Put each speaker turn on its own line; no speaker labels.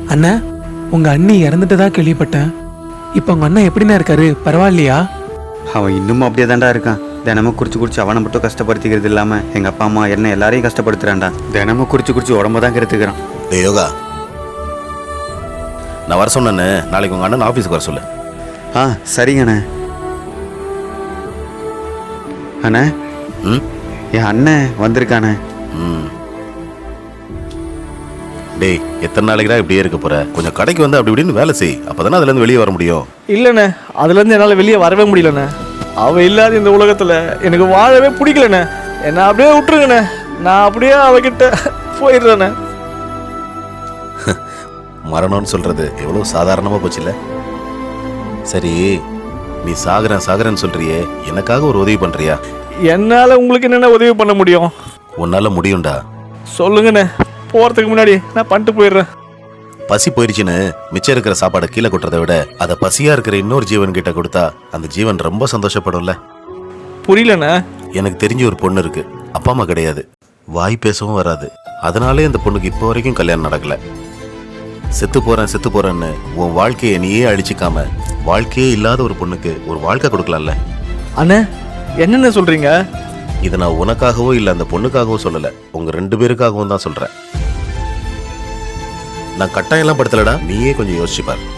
அண்ணா, உங்க அண்ணி இறந்துட்டதா கேள்விப்பட்டேன். இப்ப உங்க அண்ணன் எப்படிண்ணா இருக்காரு? பரவாயில்லையா?
அவன் இன்னமும் அப்படியே தாண்டா இருக்கான். தினமும் குடிச்சு அவனை மட்டும் கஷ்டப்படுத்திக்கிறது இல்லாம எங்க அப்பா அம்மா என்ன எல்லாரையும் கஷ்டப்படுத்துறான்டா. தினமும் குடிச்சு உடம்ப தான் கெடுத்துக்கிறான்.
டேய் யோகா, நான் வர சொன்னேன்னு நாளைக்கு உங்க அண்ணன் ஆஃபீஸுக்கு வர சொல்லு.
சரிங்கண்ணே. அண்ணே, என் அண்ணன் வந்திருக்கானே.
டேய், எத்தனை நாளைக்குடா இப்படியே இருக்க போற? கொஞ்சம் கடைக்கு வந்து அப்படி இப்படின்னு வேலை செய். அப்பதானே அதுல இருந்து வெளியே வர முடியும்.
இல்லைண்ணே, அதுல இருந்து என்னால வெளியே வரவே முடியலண்ணே. அவ இல்லாத இந்த உலகத்துல எனக்கு வாழவே பிடிக்கலண்ணே. என்ன அப்படியே விட்டுருங்கண்ணே. நான் அப்படியே அவகிட்ட போயிடுறேண்ணே.
மரணம்னு சொல்றது எவ்வளவு சாதாரணமா போச்சுல்ல. சரி, நீ சாகுறேன்னு சொல்றியே, எனக்காக ஒரு உதவி பண்றியா?
என்னால உங்களுக்கு என்னென்ன உதவி பண்ண முடியும்?
உன்னால முடியும்டா.
சொல்லுங்கண்ணே. போறதுக்கு முன்னாடி நான் பண்ணிட்டு போயிடுறேன்.
பசி போயிடுச்சுன்னு மிச்சம் இருக்கிற சாப்பாடை கீழே கொட்டுறதை விட அதை பசியா இருக்கிற இன்னொரு ஜீவன் கிட்ட கொடுத்தா அந்த ஜீவன் ரொம்ப சந்தோஷப்படும்ல.
புரியலண்ணே.
எனக்கு தெரிஞ்ச ஒரு பொண்ணு இருக்கு. அப்பா அம்மா கிடையாது, வாய் பேசவும் வராது. அதனாலே அந்த பொண்ணுக்கு இப்போ வரைக்கும் கல்யாணம் நடக்கல. செத்து போறேன்னு உன் வாழ்க்கையை நீயே அழிச்சிக்காம வாழ்க்கையே இல்லாத ஒரு பொண்ணுக்கு ஒரு வாழ்க்கை கொடுக்கலாம்ல.
அண்ணே, என்னென்ன சொல்றீங்க?
இதை நான் உனக்காகவோ இல்லை அந்த பொண்ணுக்காகவோ சொல்லல, உங்க 2 பேருக்காகவும் தான் சொல்றேன். நான் கட்டாயம்லாம் படுத்தலடா, நீயே கொஞ்சம் யோசிச்சு பாரு.